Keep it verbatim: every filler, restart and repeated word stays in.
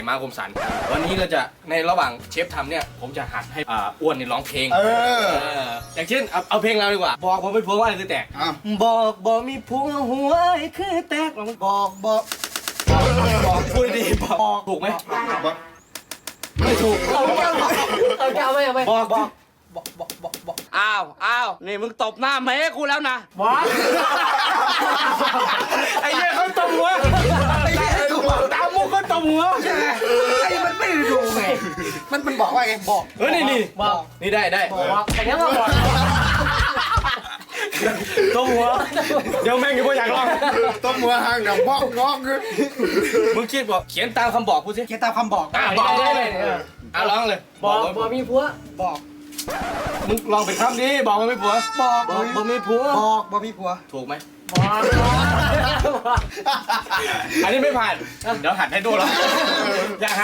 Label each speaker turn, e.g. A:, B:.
A: มาคมสันวันนี้เราจะในระหว่างเชฟทำเนี่ยผมจะหัดให้อ่าอ้วนนี่ร้องเพลง
B: เออ
A: เอออย่างเช่นเอาเอาเพลงเราดีกว่าบอกผมเป็นผัวว่าอะไรคือแตก
B: อ่ะ
A: บอกบอกมีผัวหัวไอ้คือแตกลองบอกบอกบอกพูดดีบอกถูกไหม
B: บอก
A: ไม่ถูก
C: เอาแก้วเอาแก้วไม่เอาไม่
A: บอกบอก
C: บอกบอกบอกบอก
D: อ้าวอ้าวนี่มึงตบหน้าแม่กูแล้วนะ
C: ว้า
A: ไอ้เหี้ยเขาตบหัวไอ้เหี้ยถูกตามมุกเขาตบหัว
B: ไอ้มันไม่ได้ดูไงมันมันบอกว่าไงบอก
A: เฮ้ยนี่นี่
C: บอก
A: นี่ได้ได้
C: บอกแต่ยังก็บอก
A: ตบหัวเดี๋ยวแม่งอยู่บ่อยากลอง
B: ต้มหัวหางกับบอกงอกคือ
A: มึงคิดบอกเขียนตามคำบอกกูสิ
B: เขียนตามคำบอก
A: อ่ะบอกเลยอ่ะร้องเลย
C: บอกบอกมีผัว
B: บอก
A: มึงลองเป็นคำนี้บอกมันไม่ผัว
B: บอก
A: บอกบอกไม่ผัว
B: บอกบอกมีผัว
A: ถูกไหม
C: บอก
A: อันนี้ไม่ผ่าน เดี๋ยวหัดให้ดูแล้วอย่าห